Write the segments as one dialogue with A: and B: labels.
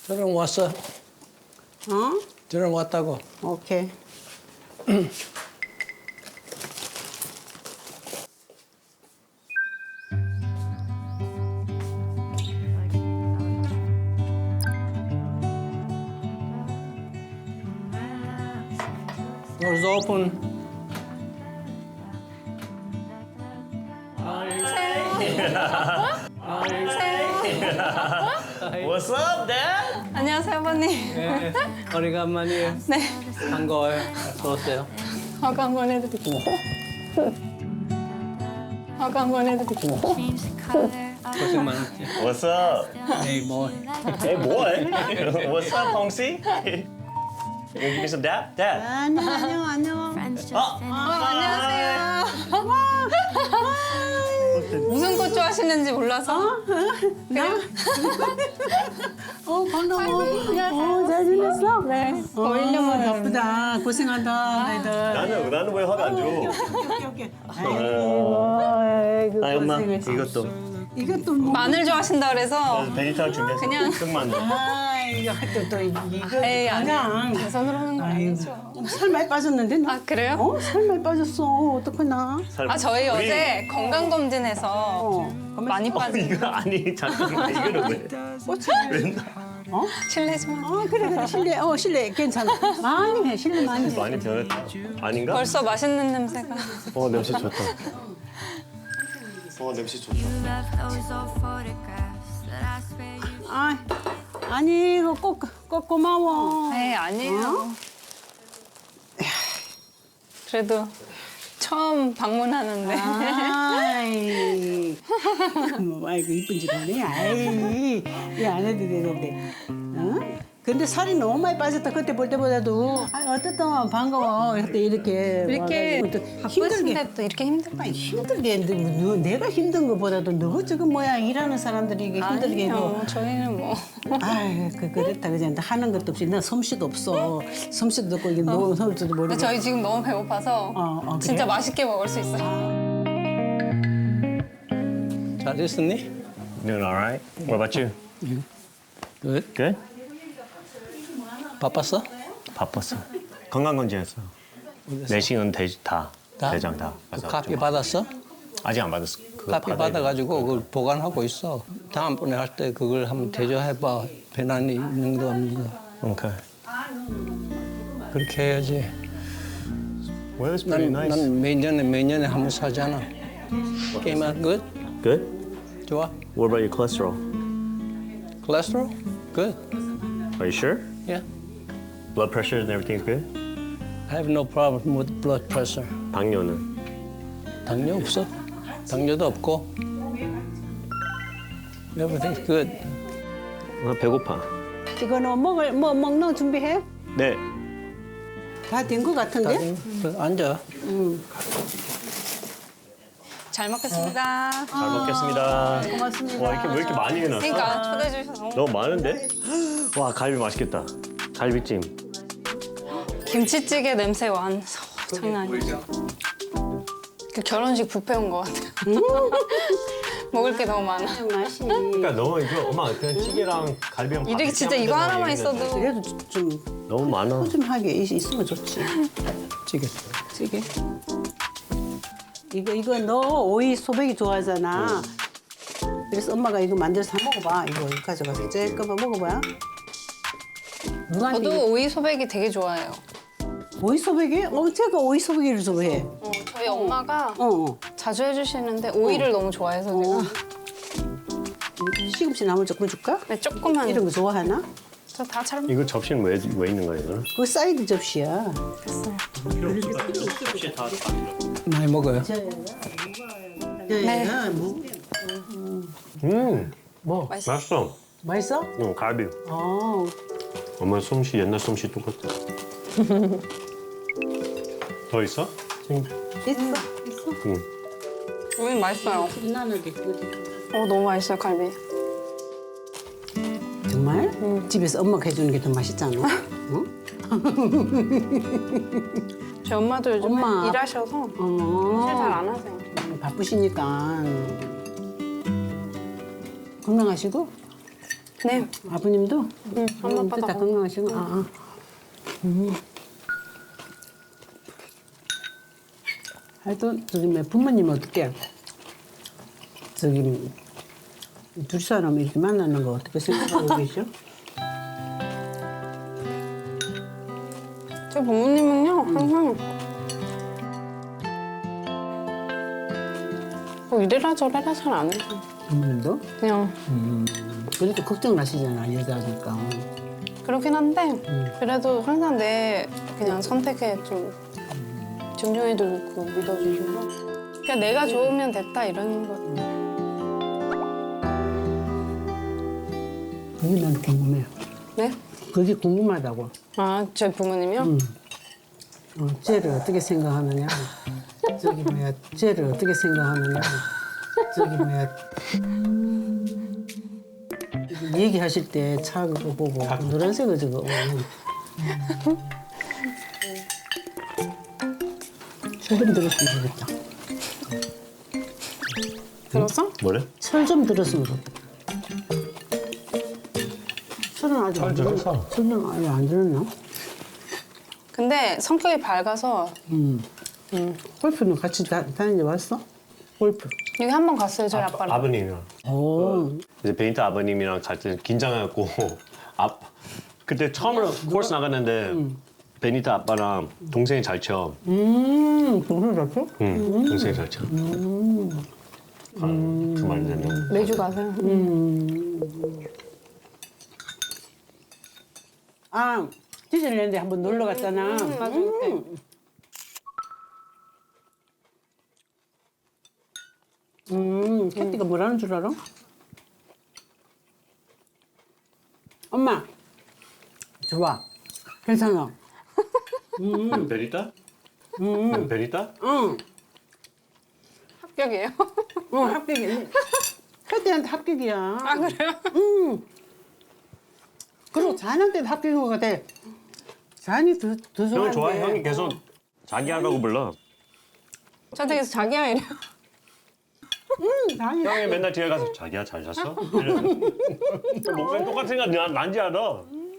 A: 저랑 왔어.
B: 어?
A: 저랑 왔다고.
B: 오케이.
A: Doors open.
C: What's up, Dad?
D: 안녕하세요, 아버님.
A: 네, 오래간만이에요.
D: 네.
A: 반가워요. 어서오세요.
D: 화가 한번 해드릴게요. 화가 한번 해드릴게요.
A: 고생 많았지.
C: What's up?
A: Hey, boy.
C: Hey, boy. What's up, Hongsi? You gonna give me some dap? Dad.
B: 안녕.
D: 안녕하세요. 무슨 꽃 좋아하시는지 몰라서.
B: 반가워. 잘 지냈어?
D: 네. 1년 만에
B: 바쁘다. 고생한다, 너희들.
C: 나는 왜 화가 안 줘?
B: 오케이.
C: 아, 엄마,
B: 이것도 뭐.
D: 마늘 좋아하신다 그래서
C: 베지탕 준비했어.
D: 그냥-
C: 흑마늘.
B: 이거 또 이거.
D: 에이,
B: 그냥.
D: 대선으로 하는 거 아니죠.
B: 살 많이 빠졌는데 너?
D: 아, 그래요?
B: 살 많이 빠졌어. 어떡하나?
D: 아, 저희
C: 우리-
D: 어제 건강검진해서 많이 빠진
C: 이거 아니 잠깐만 이거는 왜?
B: 꽃이.
D: 실례지만
B: 그래. 실례 괜찮아. 많이 해, 실례 많이 해.
C: 많이 변했다. 아닌가?
D: 벌써 맛있는 냄새가.
C: 냄새 좋다. 냄새 좋다.
B: 아니, 이거 꼭 고마워.
D: 네, 아니에요. 그래도 처음 방문하는데.
B: 아이, 아이고 이쁜 짓 하네. 아이, 이거 안 해도 되는데. 어? 근데 살이 너무 많이 빠졌다. 그때 볼 때보다도. 어쨌든 반가워. 그때 이렇게 와가지고 또 힘들게.
D: 바쁘신데 또 이렇게 힘들까?
B: 아니, 힘들게 내가 힘든 것보다도 너가 지금 뭐야 일하는 사람들이 이게 힘들게 해도.
D: 아니요, 저희는 뭐.
B: 아이, 그랬다 그냥 하는 것도 없이 나 솜씨도 없어. 솜씨도 없고 이게 노는 솜씨도 모르고.
D: 저희 지금 너무 배고파서
B: 그래?
D: 진짜 맛있게 먹을 수 있어요.
A: 잘 있었니?
C: Doing all right. What about you?
A: Good.
C: Good.
A: 바빴어?
C: 바빴어. 건강검진했어. 내시경 다.
A: 다?
C: 대장 다.
A: 그
C: 가서
A: 카피
C: 좀-
A: 받았어?
C: 아직 안 받았어. 그거
A: 카피
C: 받아야 돼.
A: 받아가지고 그걸 보관하고 있어. 다음번에 할 때 그걸 한번 대조해봐. 배난이 있는 거 없는 거.
C: 오케이.
A: 그렇게 해야지.
C: Well, it's pretty nice.
A: 난 매년에 한 번 사잖아. 게임은 good?
C: Good.
A: 좋아?
C: What about your cholesterol?
A: Cholesterol? Good.
C: Are you sure?
A: Yeah.
C: Blood pressure and everything's good?
A: I have no problem with blood pressure.
C: 당뇨는?
A: 당뇨 없어. 당뇨도 없고. Everything's good.
C: 배고파.
B: 이거는 먹는 준비해?
C: 네.
B: 다 된 거 같은데?
A: 앉아.
D: 잘 먹겠습니다.
C: 잘 먹겠습니다.
B: 고맙습니다.
C: 와, 왜 이렇게 많이 해놨어?
D: 그러니까 초대해 주셔서
C: 너무 많은데? 와, 갈비 맛있겠다. 갈비찜.
D: 김치찌개 냄새 완 장난 아니에요. 그 결혼식 뷔페 온 것 같아요. 먹을 게 너무 많아.
B: 맛이.
C: 그러니까 너무 이거 엄마 그냥 찌개랑 갈비랑
D: 이렇게 진짜 이거 하나만 있어도
B: 그래도 좀
C: 너무 많아.
B: 푸짐하게 있으면 좋지.
A: 찌개.
B: 찌개. 이거 너 오이 소백이 좋아하잖아. 그래서 엄마가 이거 만들어서 한번 먹어봐. 이거 가져가서 쬐끔만 먹어봐. 누나한테
D: 저도 오이 소백이 되게 좋아해요.
B: 오이 소백이? 제가 오이 소백이를 좋아해.
D: 저희 엄마가
B: 어.
D: 자주 해주시는데 오이를 너무 좋아해서 제가
B: 시금치 나물 조금 줄까?
D: 네, 조금만
B: 이런 거 좋아하나?
D: 저 다 잘
C: 이거 접시는 왜 있는 거예요, 이거는?
B: 그거 사이드 접시야.
D: 먹겠어요.
A: 많이 먹어요.
B: 네.
C: 뭐? 맛있어.
B: 맛있어?
C: 응, 갈비.
B: 어.
C: 엄마 솜씨 옛날 솜씨 똑같아. 더 있어?
B: 있어.
C: 응.
D: 오이 맛있어요.
B: 나누게.
D: 너무 맛있어요, 갈비.
B: 정말? 집에서 엄마가 해주는 게 더 맛있잖아. 응?
D: 저희 엄마도 요즘에
B: 엄마.
D: 일하셔서
B: 어.
D: 일 잘 안 하세요.
B: 바쁘시니까 건강하시고
D: 네.
B: 아버님도?
D: 응, 엄마 아빠가.
B: 다 건강하시고. 하여튼 저기 뭐 부모님 어떻게 저기 둘 사람 이렇게 만나는 거 어떻게 생각하고 계셔?
D: 저 부모님은요 항상 뭐 이래라 저래라 잘 안 해요.
B: 부모님도?
D: 그냥
B: 그래도 걱정을 하시잖아 여자니까.
D: 그렇긴 한데 그래도 항상 내 그냥 선택에 좀 존중해주고 믿어주시고 그냥 내가 좋으면 됐다 이런 거.
B: 그게 난 궁금해.
D: 네?
B: 그게 궁금하다고.
D: 아, 제 부모님이요?
B: 쟤를 어떻게 생각하느냐. 저기 뭐야, 쟤를 어떻게 생각하느냐. 저기 뭐야. 얘기하실 때 차 그거 보고 노란색을 저거. 철 좀 들었으면 좋겠다.
D: 들었어?
C: 뭐래?
B: 철 좀 들었으면 좋겠다. 철은 아직 안 들었어.
C: 들었어.
B: 철은 아직 안 들었나?
D: 근데 성격이 밝아서
B: 골프는 같이 다니지 왔어? 골프.
D: 여기 한 번 갔어요 저희 아빠랑.
C: 아버님이랑.
B: 오.
C: 이제 베니타 아버님이랑 갈 때 긴장해갖고 그때 처음으로 코스 나갔는데 베니타 아빠랑 동생이 잘 쳐.
B: 동생 잡혀?
C: 응, 동생이 잘 쳐. 그만 되면.
D: 매주 가세요.
B: 아, 디즈니랜드에 한번 놀러 갔잖아.
D: 맞아 그때.
B: 캐티가 뭐라는 줄 알아? 엄마, 좋아. 괜찮아.
C: 베니타? 베니타?
B: 응,
D: 합격이에요?
B: 합격이야. 캐티한테 합격이야.
D: 아 그래요?
B: 그리고 자는 때도 합격인 것 같아. 잔이 더 좋아하는데.
C: 형이 좋아해. 형이 계속 자기 하라고 불러.
D: 저한테 계속 자기야 이래요.
B: 잔이.
C: 형이 맨날 뒤에 가서 자기야 잘 잤어? 이래. 목소리 똑같으니까 난지 알아.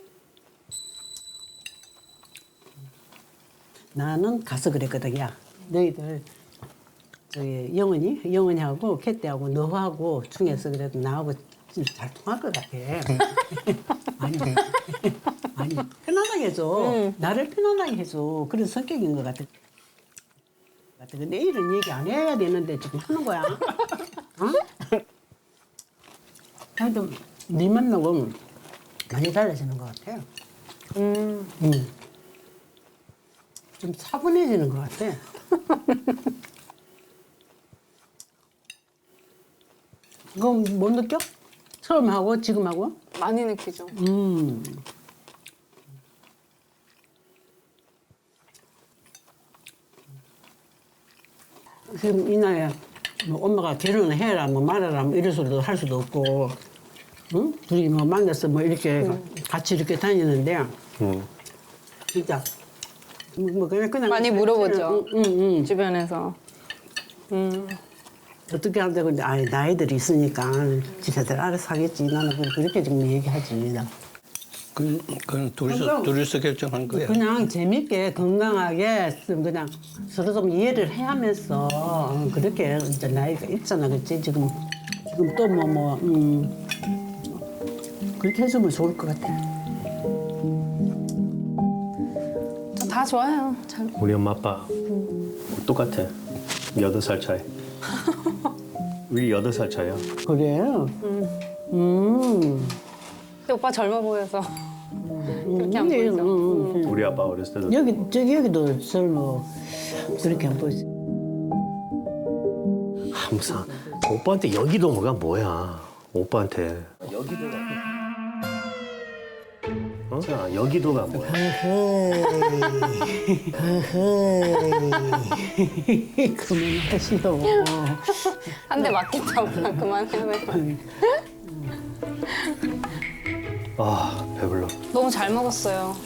B: 나는 가서 그랬거든. 야, 너희들 저기 영은이하고 캐티하고 너하고 중에서 그래도 나하고 진짜 잘 통할 것 같아. 아니 편안하게 해줘. 나를 편안하게 해줘. 그런 성격인 것 같아. 근데 이런 얘기 안 해야 되는데 지금 하는 거야. 어? 하여튼 네 만나고 많이 달라지는 것 같아. 좀 차분해지는 것 같아. 그거 못 느껴? 처음 하고 지금 하고?
D: 많이 느끼죠.
B: 지금 이 나이에 뭐 엄마가 결혼을 해라 뭐 말아라 뭐 이런 소리도 할 수도 없고, 응? 둘이 뭐 만나서 뭐 이렇게 같이 이렇게 다니는데 진짜 뭐 그냥
D: 많이 물어보죠.
B: 응.
D: 주변에서.
B: 어떻게 한다 근데 아이 나이들이 있으니까 지네들 알아서 하겠지. 나는 그렇게 좀 얘기하지. 나.
A: 그건 둘이서 결정한 거야.
B: 그냥 재밌게 건강하게 좀 그냥 서로 좀 이해를 해하면서 그렇게 이제 나이가 있잖아, 그렇지? 지금 또 그렇게 해주면 좋을 것 같아.
D: 저 다 좋아요. 잘.
C: 우리 엄마 아빠 똑같아. 8살 차이. 우리 8살 차이야.
B: 그래?
D: 근데 오빠 젊어 보여서 그렇게 안 보이죠.
C: 우리 아빠 어렸을 때도
B: 여기도 젊어. 그렇게 안 보이지.
C: 항상 오빠한테 여기도가 뭐야? 오빠한테 어? 자, 여기도가 뭐야?
B: 그만하시오.
D: 한 대 맞겠다고 그만해요.
C: 아 배불러.
D: 너무 잘 먹었어요.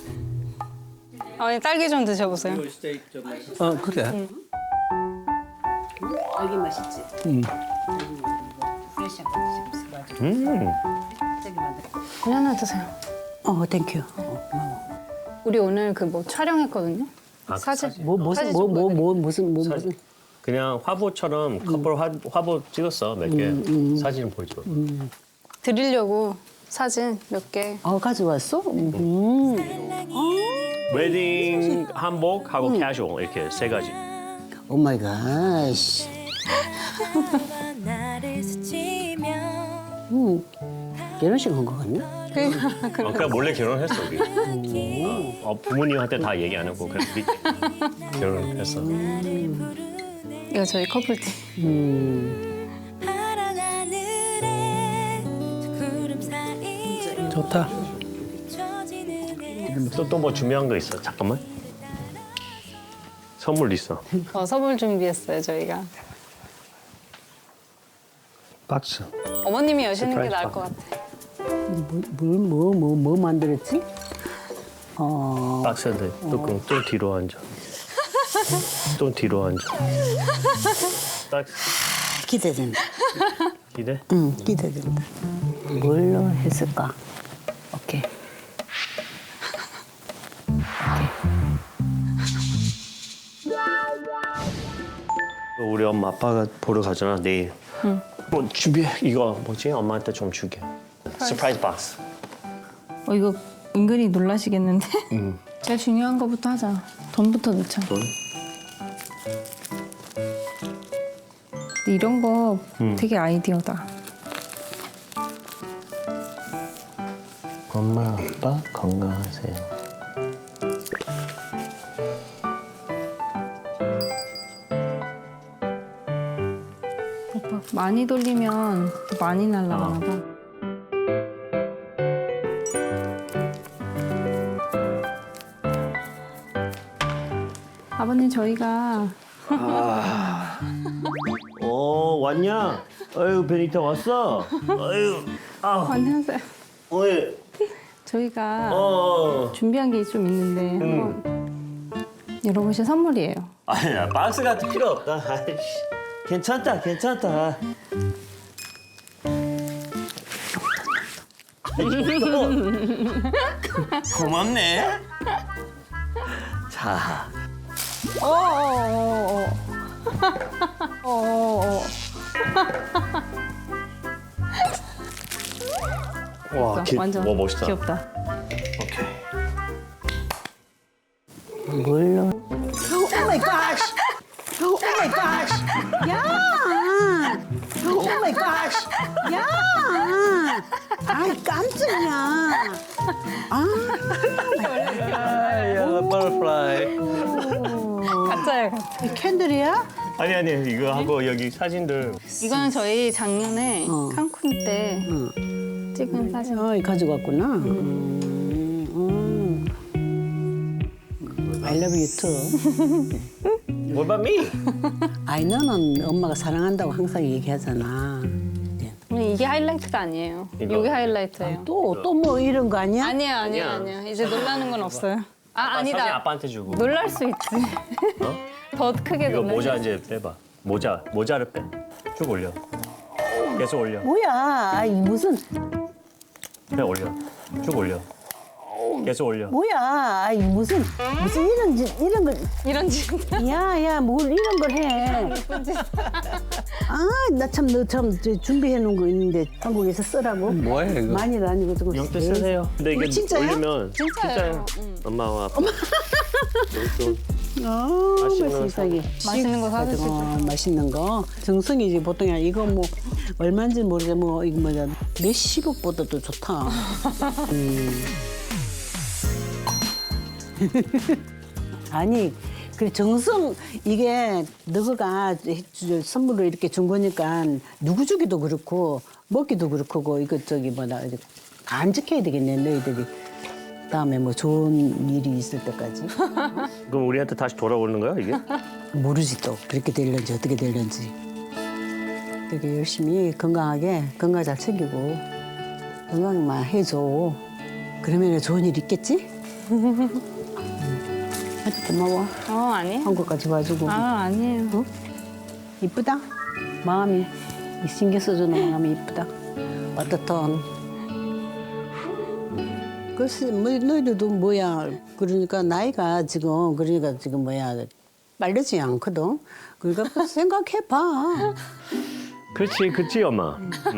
D: 아니 딸기 좀 드셔보세요.
A: 그래.
B: 여기 맛있지? 프레시한 거 드셔보세요.
D: 그냥 하나 드세요.
B: 땡큐. 고마워.
D: 우리 오늘 그 뭐 촬영했거든요.
C: 아,
D: 사진.
C: 사진.
B: 무슨.
C: 그냥 화보처럼 커플 화보 찍었어 몇 개. 사진 보여줘.
D: 드리려고 사진 몇 개.
B: 가져왔어?
C: 웨딩 한복하고 캐주얼 이렇게 세 가지.
B: 오 마이 갓. 결혼식 한 거 같나?
C: 그냥 몰래 결혼했어 우리. 부모님한테 다 얘기 안 하고 그냥 우리 결혼했어.
D: 이거 저희 커플티.
A: 좋다.
C: 또 뭐 준비한 거 있어? 잠깐만. 선물 있어.
D: 선물 준비했어요 저희가.
C: 박스.
D: 어머님이 여시는 게
C: 서프라이즈
D: 나을 것 같아.
B: 뭐 만들었지?
C: 박스인데 또 뒤로 앉아. 또 뒤로 앉아. 박스.
B: 기대된다.
C: 기대?
B: 응, 기대된다. 뭘로 했을까? 오케이.
C: 우리 엄마 아빠가 보러 가잖아 내일. 뭐 준비해. 이거 뭐지? 엄마한테 좀 주게. 서프라이즈 박스.
D: 이거 은근히 놀라시겠는데? 제일 중요한 거부터 하자. 돈부터 넣자.
C: 돈?
D: 이런 거 되게 아이디어다.
C: 엄마 아빠 건강하세요.
D: 오빠 많이 돌리면 더 많이 날아가나 봐. 아버님 저희가
C: 왔냐? 아유 베니타 왔어. 아유
D: 안녕하세요.
C: 어이.
D: 저희가
C: 어.
D: 준비한 게 좀 있는데 한번 열어보실 선물이에요.
C: 아니야 박스가 필요 없다. 아이씨. 괜찮다. 고맙네. 자. 와,
D: 완전
C: 와 멋있다.
D: 귀엽다.
C: 오케이.
B: 뭘로? 오 마이 갓! 오 마이 갓! 야! 오 마이 갓! 야! 아이 깜짝이야.
A: 야, 버터플라이.
D: 가짜야 가짜.
B: 이 캔들이야?
C: 아니 이거 하고 여기 사진들.
D: 이거는 저희 작년에 칸쿤 때 찍은 사진.
B: 가지고 왔구나. I love you too.
C: What about me?
B: 아이 너는 엄마가 사랑한다고 항상 얘기하잖아.
D: 이게 하이라이트가 아니에요.
C: 이거.
D: 이게 하이라이트예요.
B: 또 뭐 이런 거 아니야?
D: 아니야. 이제 놀라는 건 없어요.
C: 사진
D: 아니다.
C: 아빠한테 주고.
D: 놀랄 수 있지. 더 크게
C: 이거
D: 놀랄
C: 모자
D: 수 있지.
C: 이제 빼봐. 모자를 빼. 쭉 올려. 계속 올려.
B: 뭐야? 아이 무슨
C: 그냥 올려. 쭉 올려. 계속 올려.
B: 뭐야? 아이 무슨 이런 걸
D: 이런 짓.
B: 야야 뭘 이런 걸 해? 나 참 너 참 준비해 놓은 거 있는데 한국에서 쓰라고?
A: 뭐야 이거?
B: 많이도 아니고 조금
C: 영대 쓰세요. 근데 이게
B: 진짜요?
C: 올리면
D: 진짜예요.
C: 엄마와 아빠. 좀
B: 맛있는 세상에
D: 맛있는 거 사드시죠.
B: 맛있는 거 정성이지 보통이 아니라 이거 뭐 얼마인지 모르겠 뭐 이거 뭐냐 몇십억보다도 좋다. 아니 그래 정성 이게 너가 선물로 이렇게 준 거니까 누구 주기도 그렇고 먹기도 그렇고 이거 저기 뭐다 간직해야 되겠네 너희들이 다음에 뭐 좋은 일이 있을 때까지.
C: 그럼 우리한테 다시 돌아오는 거야 이게?
B: 모르지 또 그렇게 될런지 어떻게 될런지. 되게 열심히 건강하게 건강 잘 챙기고 건강만 해줘. 그러면 좋은 일 있겠지? 고마워.
D: 아니에요.
B: 한국까지 와주고.
D: 아니에요.
B: 이쁘다. 마음이 신경 써주는 마음이 이쁘다. 따뜻한. 글쎄, 뭐, 너희들도 뭐야. 그러니까 나이가 지금, 뭐야. 빠르지 않거든. 그러니까 그 생각해봐.
C: 그렇지 엄마.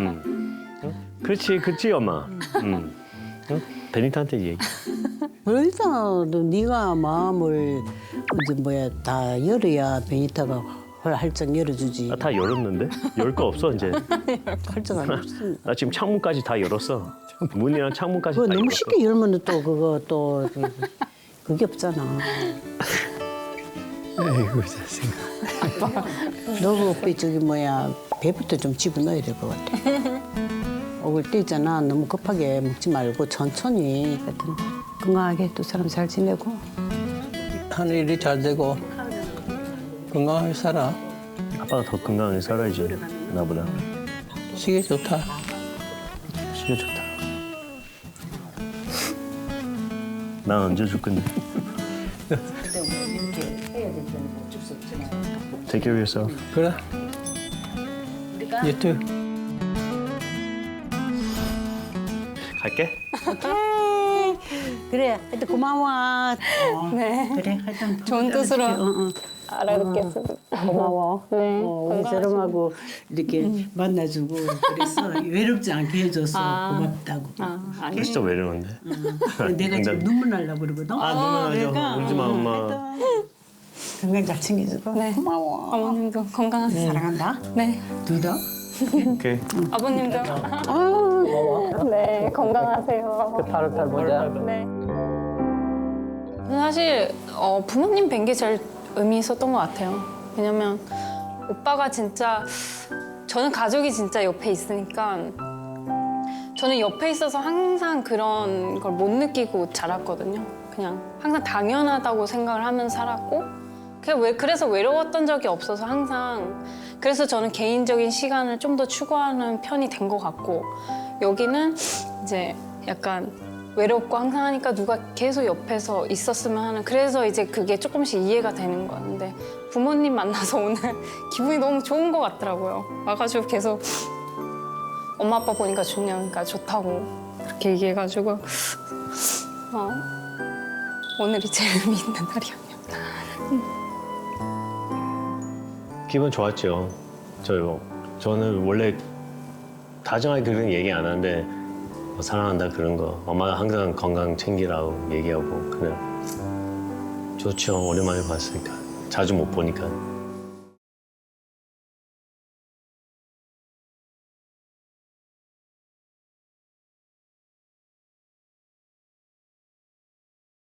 C: 그렇지 엄마. 응? 베니타한테 얘기.
B: 그러니까 네가 마음을 이제 뭐야 다 열어야 베니타가 활짝 열어주지.
C: 나 다 열었는데? 열 거 없어 이제.
B: 활짝 안 열었어.
C: 나 지금 창문까지 다 열었어. 문이랑 창문까지
B: 그거
C: 다
B: 너무
C: 열었어.
B: 쉽게 열면 또 그거 또 그게 없잖아.
A: 에이구 자식아.
B: 너그 저기 뭐야 배부터 좀 집어넣어야 될 것 같아. 먹을 때 있잖아 너무 급하게 먹지 말고 천천히 하여튼 건강하게 두 사람 잘 지내고.
A: 하는 일이 잘 되고 건강하게 살아.
C: 아빠가 더 건강하게 살아야지 나보다.
A: 시계 좋다.
C: 시계 좋다. 난 언제 줄 건데? Take care of yourself.
A: 그래. You too.
C: 갈게.
B: 그래 하여튼 고마워.
D: 네.
B: 그래 하여튼
D: 좋은 뜻으로
B: 응.
D: 알아듣겠습니다. 고마워. 네.
B: 우리 사람하고 이렇게 만나주고 그래서 외롭지 않게 해줘서 고맙다고.
D: 아니.
C: 진짜 외로운데.
B: 내가 지금 눈물 날라 그러거든.
C: 아 눈물 나죠. 울지 마 엄마.
B: 건강 잘 챙겨주고
D: 네.
B: 고마워.
D: 어머님도 건강하세요.
B: 사랑한다.
D: 네.
B: 둘 다.
C: 오케이.
D: 아버님도. 네, 건강하세요.
A: 타르탈 보자.
D: 네. 사실 부모님 뵌 게 제일 의미 있었던 것 같아요. 왜냐면 오빠가 진짜 저는 가족이 진짜 옆에 있으니까 저는 옆에 있어서 항상 그런 걸 못 느끼고 자랐거든요. 그냥 항상 당연하다고 생각을 하면서 살았고 그래서 외로웠던 적이 없어서 항상 그래서 저는 개인적인 시간을 좀 더 추구하는 편이 된 것 같고 여기는 이제 약간 외롭고 항상 하니까 누가 계속 옆에서 있었으면 하는 그래서 이제 그게 조금씩 이해가 되는 거야. 근데 부모님 만나서 오늘 기분이 너무 좋은 것 같더라고요. 와가지고 계속 엄마 아빠 보니까 좋냐니까 좋다고 그렇게 얘기해가지고 오늘이 제일 의미 있는 날이었네요.
C: 기분 좋았죠. 저는 원래 다정하게 그런 얘기 안 하는데 뭐 사랑한다 그런 거 엄마가 항상 건강 챙기라고 얘기하고 그냥 좋죠. 오랜만에 봤으니까 자주 못 보니까.